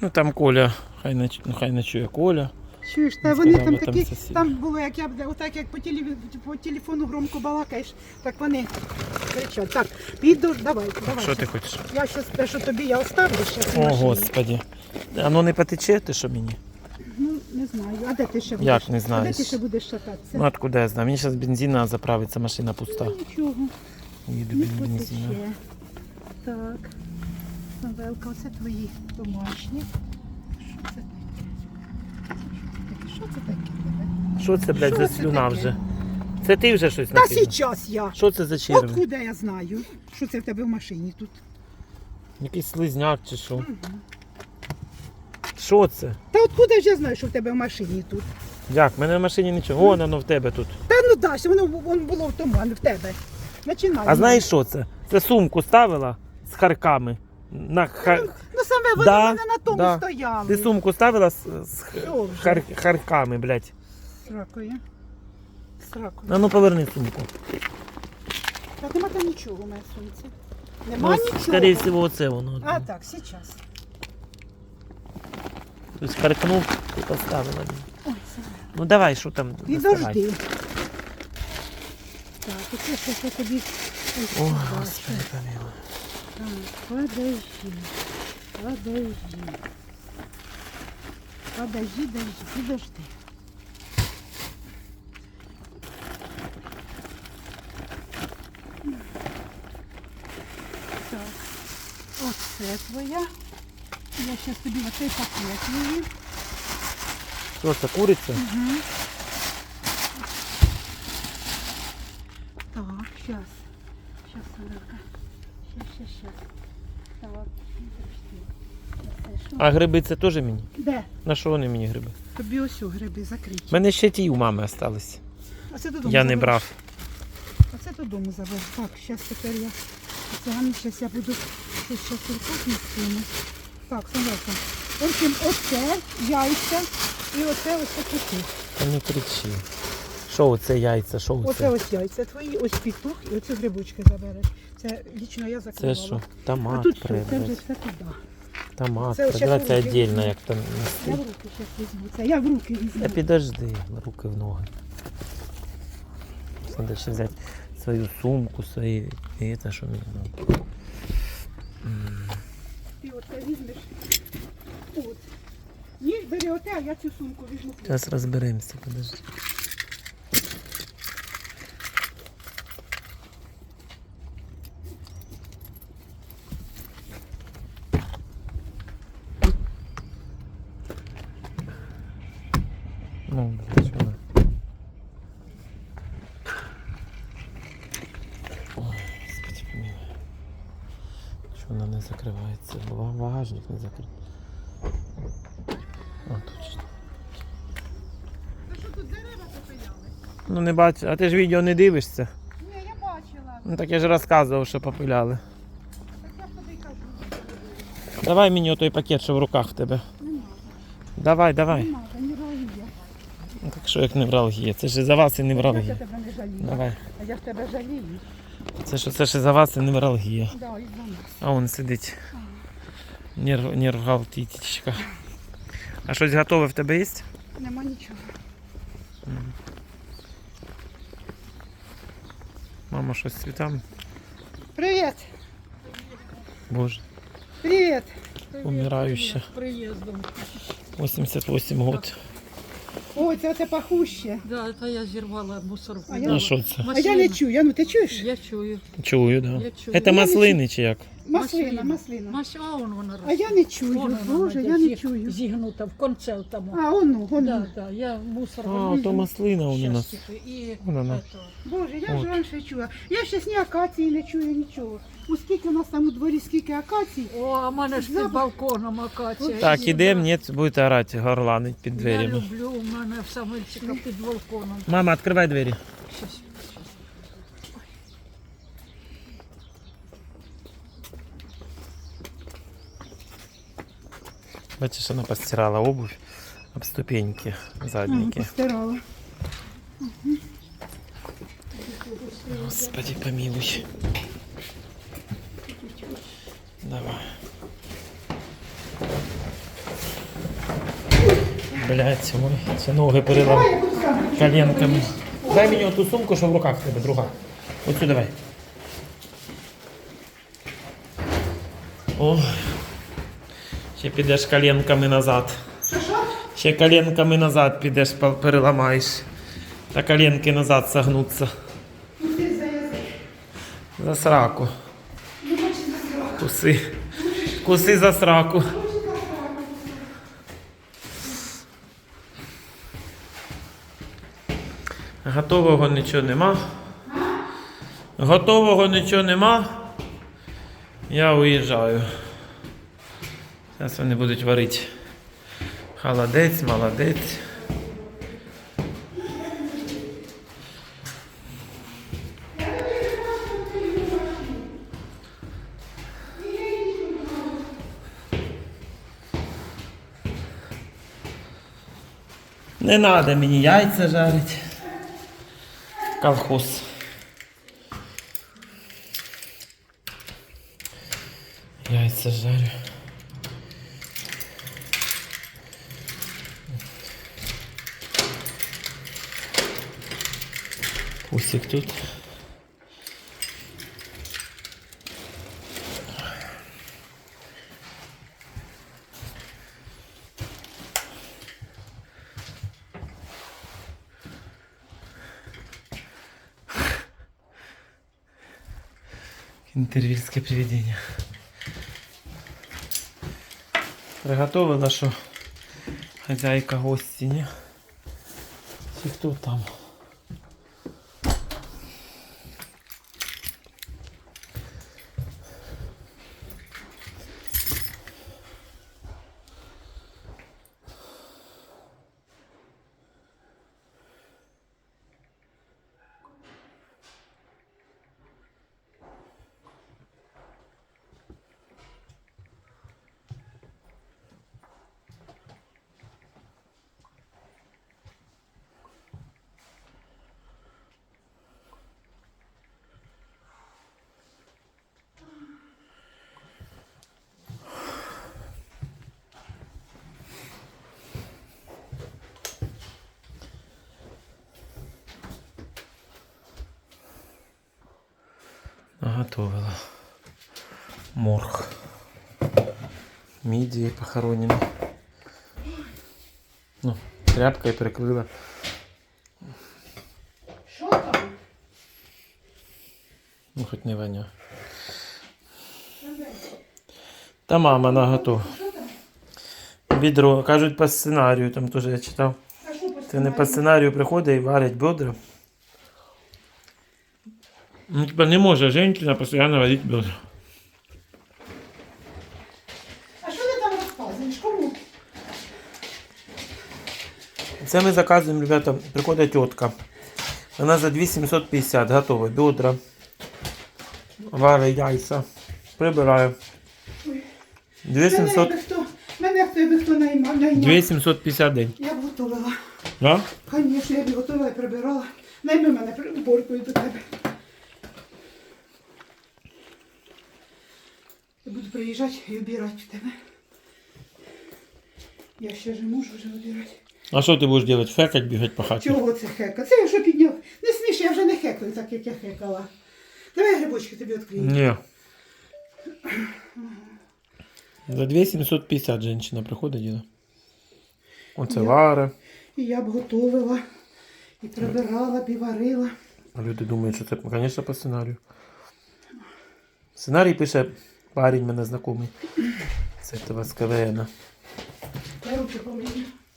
Ну там Коля, хай ночує Коля. Чуєш, та вони там там такі, сусіди. там було, як я, отак як по телефону громко балакаєш, так вони кричать. Так, піду, давай. Що ти хочеш? Я щас те, що тобі я оставлю, щас в О, машині. Господи. Воно не потече, ти що мені? Ну, не знаю. А де ти ще будеш? Як не А знаєш? де ти ще будеш шататися? Ну откуда я знаю? Мені зараз бензина заправиться, машина пуста. Ну, нічого, Їду не без бензину. потече. Так, Самвелка, оце твої домашні. Що це таке? Що це таке? Що це, блядь, Що за це слюна таке? вже? Це ти вже щось Та накинув? зараз я. Що це за черви? Откуда я знаю, що це в тебе в машині тут? Якийсь слизняк чи що? Що це? Та откуда ж я знаю, що в тебе в машині тут? Як? В мене в машині нічого. Вон воно в тебе тут. Та ну Даш, воно було в тому, а не в тебе. Починай. А знаєш що це? Це сумку ставила з харками. Ну саме вони Да, в мене на тому да. стояли. Ти сумку ставила з Що вже? харками, блядь. Сракою. Сракою. А ну поверни сумку. Та нема там нічого в моїй сумці. Нема нічого. Скорее всего, оце воно. А так, зараз. Тобто харкнув і поставила. Ой, це. Ну давай, що там? доставай. Підожди. Так, оце щось я тобі... О, Господи, помилуй. Так, подожди. Подожди. Так, оце твоя. Я зараз тобі оцей пакет її. Що це, куриця? Так, сейчас, Самарка. Сейчас. Так, подожди. Це що? А гриби це теж мені? Де? На що вони мені гриби? Тобі ось у гриби закриті. У мене ще ті у мами остались. Оце додому Я не забереш. брав. Оце додому забереш. Так, зараз тепер я. Зараз я буду щось зараз руках нести. Так, Самарка. В общем, оце яйця і оце ось такі. Та не кричи. Що оце яйця, що Оце оце? ось яйця твої, ось петух і оці грибочки забереш. Це лічно я Це закривала. що? А Томат тут що? Це вже прибрати. все туди. Томат Це ось прибрати, щас це руки віддільно, візьму. як там Я нести. в руки зараз візьму. Це я в руки візьму. Та підожди, руки в ноги. Треба ще взяти свою сумку, свої... І це що мені треба. Ти оце візьмеш. От. Ні, бери оте, а я цю сумку візьму. Зараз розберемося, подожди. Ну, блядь, вона. Ой, Господи, помилуй. Що вона не закривається? Багажник не закритий. О, точно. Та що тут дерева попиляли? Ну не бачу, а ти ж відео не дивишся? Ні, я бачила. Ну так я ж розказував, що попиляли. Так я тобі й кажу. Давай мені отой пакет, що в руках в тебе. Не надо. Давай. Не надо, не ралія. Ну, так що як невралгія? Це ж і за вас і Я невралгія. тебе не жалію. Давай. А я ж тебе жалію. Це ж і за вас і невралгія. Да, і за нас. А он сидить. Нервгалтітічка. А щось готове в тебе є? Нема нічого. Мама щось з цвітами? Привіт. Боже, Привіт. умирающа. Приїздом. 88 год. Ой, це пахуще. Да, це я зірвала мусорку. А я- А що це? А я не чую. Ну ти чуєш? Я чую. Чую, да. Я чую. Це маслини чи як? Маслина. А вона А я не чую. Вон вона, Боже, де я не чую. Зігнута в конце тому. А, ону. Да, да, я мусор А, то маслина у нас. І Вон вона. ето. Боже, я От. ж раніше чула. Я щас ні акації не чую, нічого. У скільки у нас там у дворі, скільки акацій. О, а в мене ж під Запах. балконом акація. Так, І ідемо, я- ні, будете орати, горланить під Я дверями. люблю, у мене в самильчика під балконом. Мама, відкривай двері. Щас. Бачиш, вона постирала обувь об ступеньки задники. Постирала. Господи, помилуй. Давай. Блять, ой, це ноги перелам Давай я буду сам. коленками. Дай мені оту сумку, що в руках в тебе, друга. Оцю давай. О, ще підеш коленками назад. Що? Ще коленками назад підеш, переламаєш. Та коленки назад согнуться. Ну ти за язик. За сраку. Не хочу за сраку. Куси. Куси за сраку. Готового нічого нема. Готового нічого нема. Я уїжджаю. Зараз вони будуть варити. Холодець, молодець. Не треба мені яйця жарити. Колхоз. Яйця жарю. Усик тут. Интервильское привидение. Приготовила, що хазяйка гості, ні? Чи хто там? Наготовила. Морг. Мидии похоронены. Ну, тряпкой прикрыла. Що там? Ну, хоть не воня. Та мама наготова. Бідро, кажуть, по сценарію, там теж я читав. А що по Це не по сценарію приходить і варять бедра. Ну, типа не може жінка постійно варити бедра. А що ти там розказуєш? Кому? Це ми заказуємо, ребята, приходить тітка. Вона за 2750 готова. Бедра, варить яйця, прибирає. 2700. Мене хто би хто найняв. 2750 день. Я б готувала. Да? Звісно, я б готувала і прибирала. Найми мене уборкою до тебе. Я буду приїжджати і обирати в тебе. Я ще ж можу вже обирати. А що ти будеш робити? Фекать, бігати по хаті? Чого це хека? Це я вже підняв. Не сміш, я вже не хекаю, так як я хекала. Давай грибочки тобі відкрию. Ні. За 2750 жінка приходить діла. Оце варе. І я б готувала, і прибирала, б і варила. А люди думають, що це, звісно, по сценарію. Сценарій пише парень мене знайомий. Це того з КВН. Я руки помию.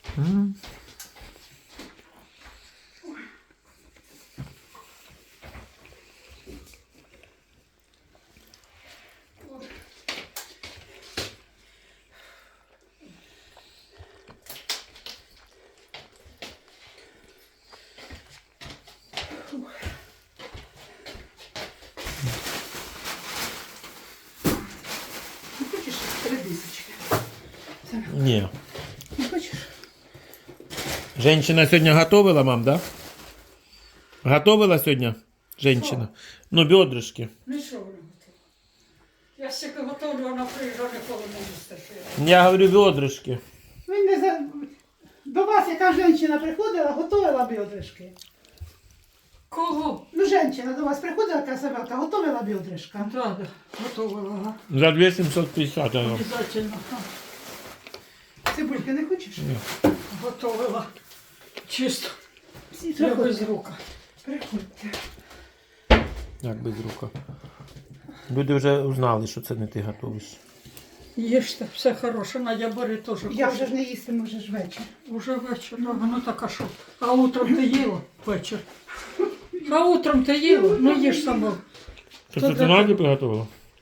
Не хочеш редисочки? Ні. Не хочеш? Женщина сьогодні готовила, мам, да? Готовила сьогодні? Женщина. Ну, бедрышки. Ну що вона готова? Я ще готовлю, вона приїжджає, ніколи не їсти. Я говорю, бедрышки. Він не за... До вас яка жінка приходила, готувала бедрышки? Кого? Ну, жінка до вас приходила, яка Самвелка, готувала бедрышка? Да, да, готовила. За 2750 оно. Обязательно. Цибульки не хочеш? Ні. Готовила. Чисто. Всі Я без приходьте. рук. Приходьте. Як без рука. Люди вже узнали, що це не ти готуєш. Їжте, все хороше. Надя, бери теж. Я вже ж не їстиму, вже ж вечір. Уже вечір, да, ну так а що? А утром ти їла вечір? А утром ти їла? Ну їж сама. Це Це ти для Наді тебе. приготувала?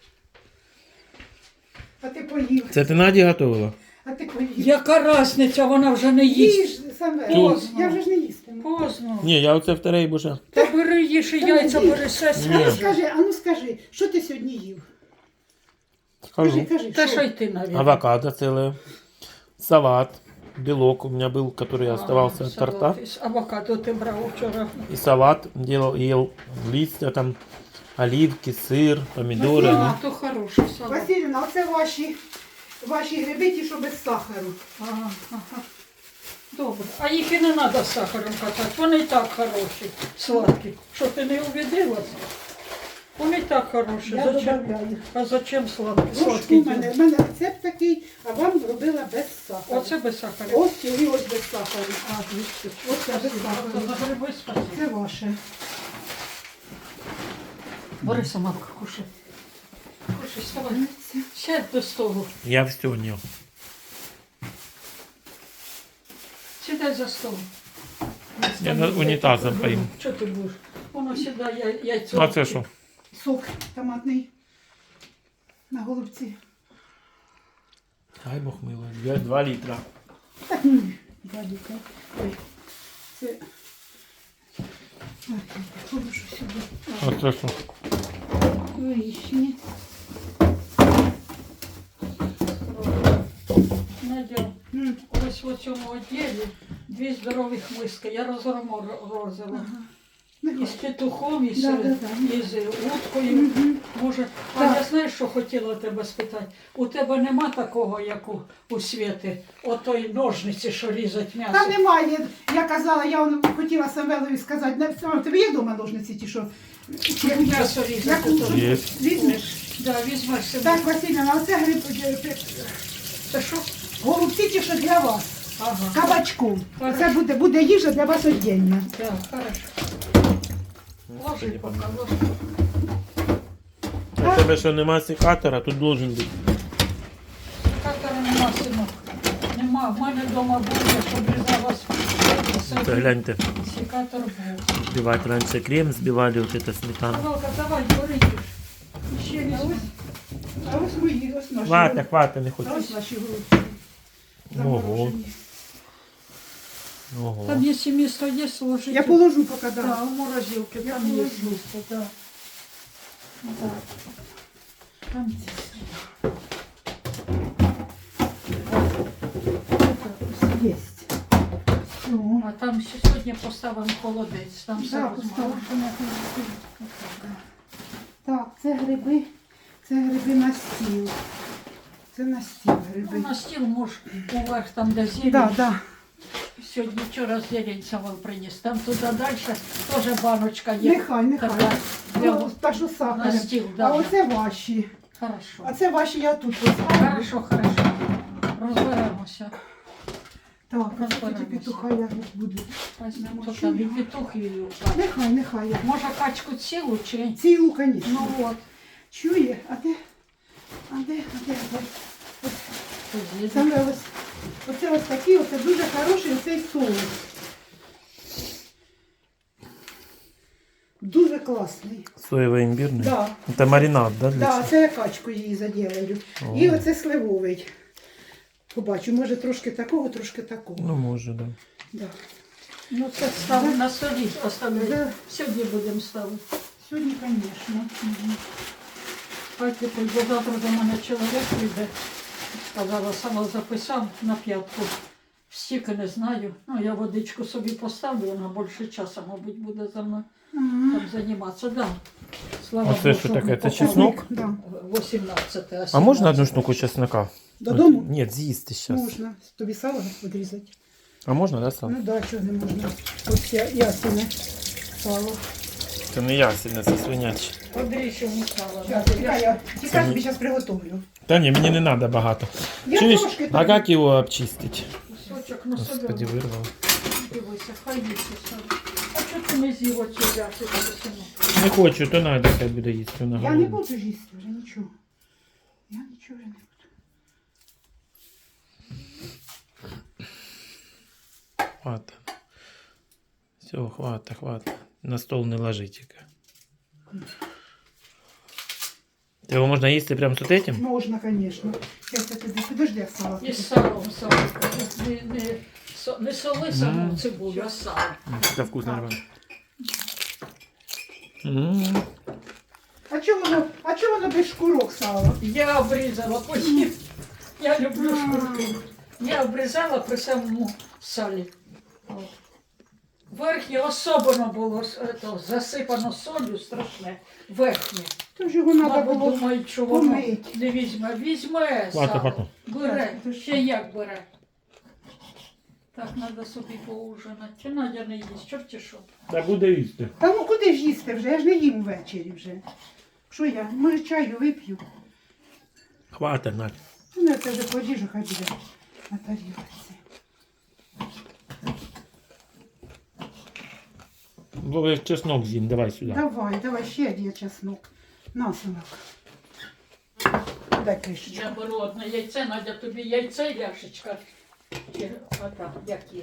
А ти поїв. Це ти Наді готувала? А ти поїв. Яка різниця, вона вже не їсть. Їж, Самвел. Поздно. Я вже ж не їстиму. Поздно. Ні, я оце вторий боже. Та бери їж і яйця, бери все А ну свіже. скажи, що ти сьогодні їв? Скажу. Кажи, Та що й ти, навіть. Авокадо целое, салат, белок у меня был, который оставался от торта. Авокадо ти брав вчора. И салат ел листья, там оливки, сыр, помидоры. А, то хороший салат. Василівна, оце ваші гриби, ті, що без сахару. Ага, ага. Добре. А їх і не треба з сахаром катати. Вони і так хороші, сладкі. Що ти не убедилась? Вони і так хороші. Я добавляю. А зачем сладкі? Ложку Сладкі в мене рецепт такий, а вам робила без сахару. Оце без сахару. Ось і ось без сахару. А, двісті. Оце без сахару. За гриби спасибо. Це ваше. Бери сама кушай. Кушай, вставай. Сядь до столу. Я все не. Сідай за стол. Я унитазом поим. Що ти будеш? Воно сідає яйцо. А це що? Сок томатний на голубці. Ай, Бог мило. 2 літра. Так, ні, дядька. Ой, це... Так, положу сюди. А це що? Вишні. Надя, ось в цьому відділі 2 здорових миски. Я розморозила. І з петухом, і з, і з уткою. Може, а я знаєш, що хотіла тебе спитати? У тебе нема такого, як у Світи, отої ножниці, що різать м'ясо? Та немає. Я казала, я хотіла Самвелові сказати, не в тебе є вдома ножниці ті, що? Як м'ясо різати? Яку? то- Є. Візьмеш? Да, візьмеш себе. Так, Василівна, оце гриб, Це що? голубці ті, що для вас. Ага. Кабачком. Хорошо. Це буде їжа для вас віддільна. Так, хорошо. Ложи поки, ложи. У тебе що нема секатора, тут должен бути. Катера нема, синок. Нема. В мене вдома буде, щоб різала Це гляньте. секатор був. Збивати раніше крем, збивали вот это сметану. Павелка, давай, бери їж. Ще візьми. А ось мої, ось наші. Хватить, хватить, не А хочу. ось наші голубці. Ого. Заморожені. Ого. Там якщо місто є, сложити. Я положу поки, Да, да. у морозилки, Я там є положу. місто, да. Да. Там ці. Єсть. Все. А там ще сьогодні поставимо холодець, там все Так, розмовимо. Так, це гриби на стіл. Це на стіл гриби. На стіл можеш уверх, там де зелень. Так, так. Сьогодні вчора зелень Савол приніс. Там туди далі теж баночка є. Нехай. Така, Ну, та що на сахаром. стіл, А да. оце ваші. Хорошо. А це ваші я тут поставлю. Хорошо, хорошо. Розберемося. Так, а Розберемося. тоді петуха як будуть. Візьмемо Чую. тут від петухів. Нехай. Може качку цілу чи? Цілу, звісно. Ну от. Чує? А де? Тоді. Саме оце ось такий, оце дуже хороший оцей соус. Дуже класний. Соєвий імбірний? Да. Це маринад, да? Для Да, цього? це я качку її заділаю. О. І оце сливовий. Побачу, може трошки такого, трошки такого. Ну, може, да. Да. Ну це ставимо на столі, оставляй. Да. Сьогодні будемо ставити. Сьогодні, звісно. Хай бо завтра до мене чоловік прийде. Сказала, сама записав на 5. Стільки не знаю. Ну, я водичку собі поставлю, вона більше часу, мабуть, буде за мною там займатися. Да. Слава А це Богу, що ми таке? Це попали. чеснок? Да. 18, А можна 17. одну штуку чеснока? Додому? Ні, з'їсти зараз. Можна. Тобі сало відрізати. А можна, да, сало? Ну да, чого не можна. Ось ясіне сало. Це не ясельне, це свиняче. Подріж йому сало. Чекай, я тобі зараз приготовлю. Та ні, мені не треба багато. Я Чуєш, трошки а тобі. як його обчистити? Кусочок на Господи, себе. вирвав. Дивися, хай їсти сам. А чого ти не з'їв оці взяти? Не хочу, то Надя хай буде їсти. Вона Я не голодна. буду їсти вже нічого. Я нічого вже не буду. Хвата. Все, хвата. На стол не ложи тільки. Його можна їсти прямо з этим? Можна, звісно. Зараз я тобі підожди, я салат. І з салом, не соли саму цибулю, а сало. Це вкусно, нормально. А чого воно без шкурок сало? Я обрізала потім. Я люблю шкурки. Я обрізала при самому салі. От. Верхнє особливо було засипано солью страшне. Верхнє. Тож його треба Мабуть, було думають, що воно помить. не візьме. Візьме Хвата. сало. Бере. Так, Ще як бере. Так, треба собі поужинати. Чи Надя не їсть, чорті що? Та буде їсти. Та ну куди ж їсти вже? Я ж не їм ввечері вже. Що я? Може чаю вип'ю? Хвата, Надя. Ну, я це вже поріжу, хай буде на тарілці. Бо чеснок з'їм, давай сюди. Давай, ще є чеснок. На, синок. Дай кришечку. Я беру одне яйце, Надя, тобі яйце, ляшечка. Чи ота, як є.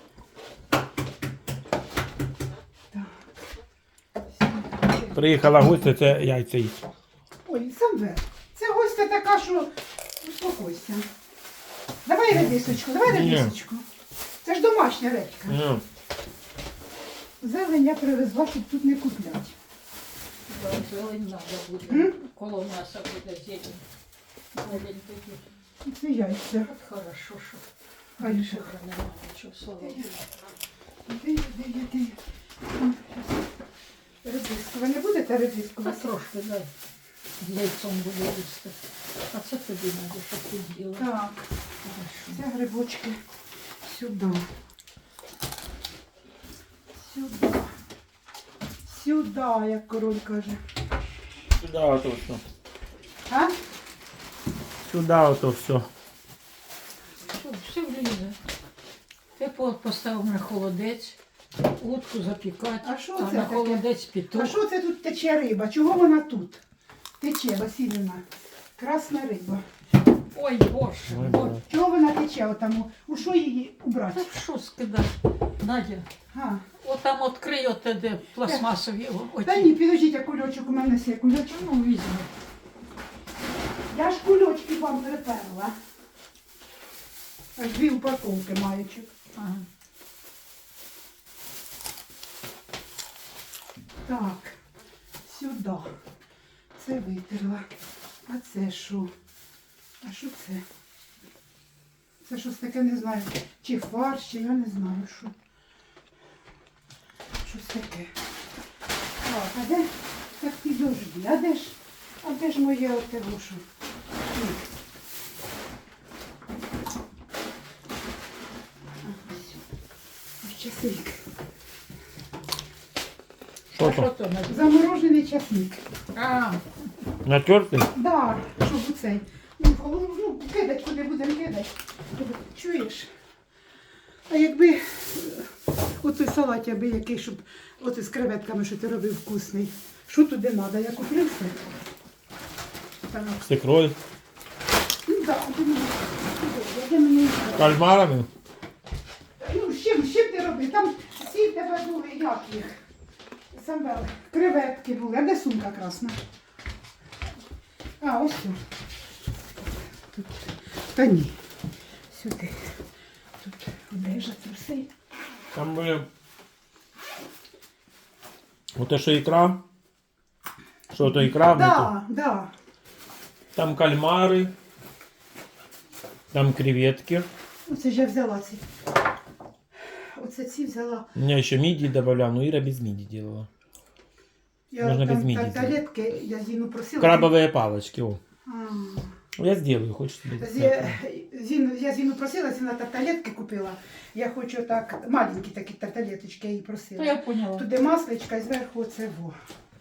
Приїхала гостя, це яйця їсть. Ой, Самвел, це гостя така, що успокойся. Давай редисочку, Ні. Це ж домашня редька. Ну, Зелень я привезла, щоб тут не купляти. Да, зелень надо буде. М? Коло м'яса буде зелень. Зелень тоді. Це яйця. От хорошо, що Хай більше же. вже немає нічого слава. Де? Редиску. Ви не будете редиску? Та трошки дай. З яйцом буде їсти. А це тобі надо, щоб ти з'їла. Так, Хорошо. це грибочки сюди. Сюди, як король каже. сюди ото все. А? Сюди ото все. Все влізе. Ти поставив на холодець, утку запікати, А що а це на таке? холодець А піток. що це тут тече риба? Чого вона тут? Тече, Василівна. Красна риба. Ой, Боже, Ой, Боже. Боже. Чого вона тече отаму? У що її убрати? Та що скидати? Надя, А. отам відкрий оте, де пластмасові Та ні, підождіть, а кульочок у мене є. Кульочок. Ну, візьми. Я ж кульочки вам приперла. Аж 2 упаковки маючок. Ага. Так, сюди. Це витерла. А це що? А що це? Це щось таке, не знаю. Чи фарш, чи я не знаю, що. Щось таке. Так, а де? Так підожди, а де ж моє оте вушу? Ось часник. Що А що то? то Надя? Заморожений часник. А, Натертий? Да, щоб у цей. Ну, кидать, куди будемо кидати. Чуєш? А якби отой салат, аби який, щоб от з креветками, що ти робив вкусний. Що туди треба? Я куплю все. Так. З ікрою? Ну так, де мені. Кальмарами? Ну, з чим ти робив? Там всі в тебе були, як їх? Самвел, креветки були. А де сумка красна? А, ось тут. Тут. Та ні. Сюди. Тут одежа, це все. Там були. Оте що ікра? Що то ікра? Да, да. Там кальмари. Там креветки. Оце ж я взяла ці. Оце ці взяла. У меня еще мидии добавлял, но Ира без мидий делала. Я Можна там без мідії тарелки, я Зіну просила. Крабовые палочки. О. А, Я сделаю, хочешь тебе? Я Зіну просила, Зіна тарталетки купила. Я хочу так, маленькі такі тарталеточки, я її Та просила. я поняла. Туди масличка і зверху оце во.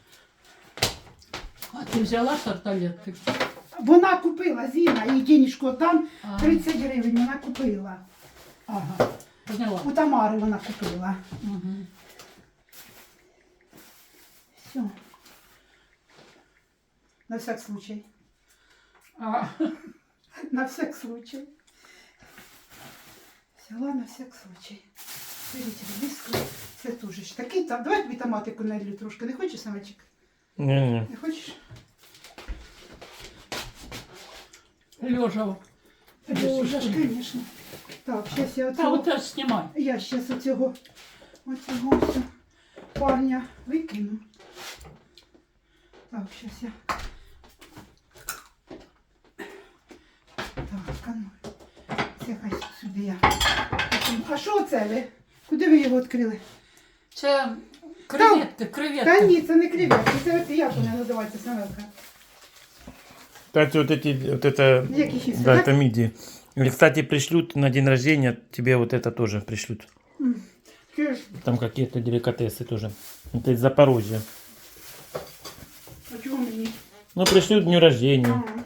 А ти взяла тарталетки? Вона купила, Зіна, їй денежку там А. 30 гривень вона купила. Ага. Поняла. У Тамари вона купила. Угу. Все. На всяк случай. А, На всяк случай. Взяла на всяк случай. Беріть редиску. Це теж ж такий там. Давай тобі томатику налью трошки. Не хочеш, Самочек? Не-не. Не хочеш? Лежа. Боже ж, звісно. Так, зараз я Та оцього... от знімай. Я зараз оцього все парня викину. Так, зараз я... Так, а ну. Це хай сюди я. А що це ви? Куди ви його відкрили? Це креветки, Та креветки. ні, це не креветки, це от як вона називається, Самелка? Кстати, вот эти, вот это, Які хісти, да, так? это мидии. Или, кстати, пришлют на день рождения, тебе вот это тоже пришлют. Чуєш? Там какие-то деликатесы тоже. Это из Запорожья. А чого мені? Ну, пришлют к дню рождения. Ага.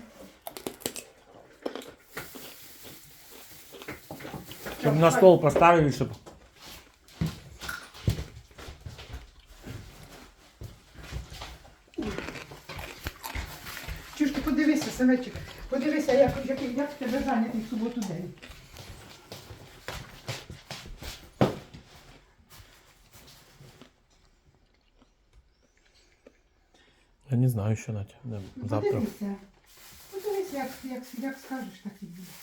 Чтобы на стол поставили, чтобы... Чуєш, ти подивися, Самечик, подивися, як в тебе зайнятий в суботу день. Я не знаю еще, Надя. Да, Ну, завтра. подивися. Подивися, як скажеш, так і буде.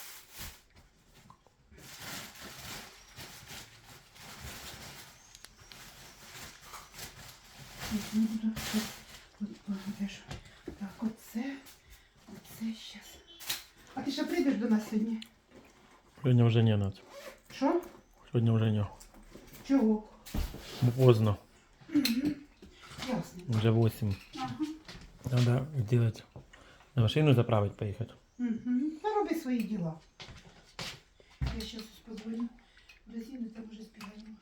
Не буду. Будеш. Так, оце щас. А ти ще прийдеш до нас сьогодні? Сегодня уже не, Надя. Що? Сегодня уже не. Чого? Поздно. Ясно. Уже 8. Ага. Надо сделать. На машину заправить поехать. Угу. Та роби свої діла. Я зараз позвоню до Зіни, там уже збігаємо.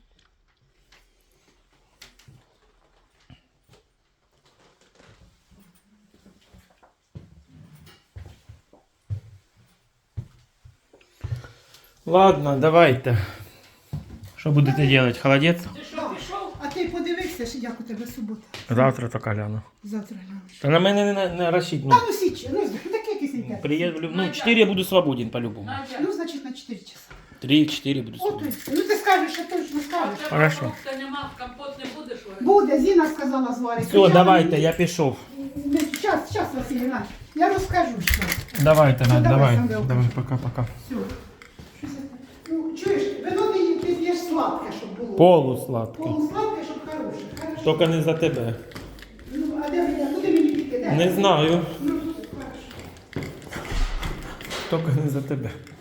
Ладно, давайте. Что будете делать? Холодец? Ти що, пішов? А ти подивився, що як у тебе субота? Завтра только гляну. Завтра глянеш. Та на мене не рассчитывай. Та ну січе, ну таке кисеньке. Приеду, ну 4 я буду свободен по-любому. Надя, Ну, значить, на 4 часа. 3-4 буду От, свободен. ну ти скажеш, що точно а скажеш. в тебе Хорошо. фрукта нема, компот не будеш варити? Буде, Зіна сказала зварити. Все, давайте, я пішов. Час, Василіна, я розкажу, що. Давайте, Ну, Надь, давай, давай. Самвел. Давай, пока-пока. Все. Ну, чуєш, вино ти п'єш сладке, щоб було. Полусладкий. Полусладке, щоб хороше. Хорошо. Тільки не за тебе. Ну, а де мені, куди мені піти? Де? Не знаю. Ну, хорошо. Тільки не за тебе.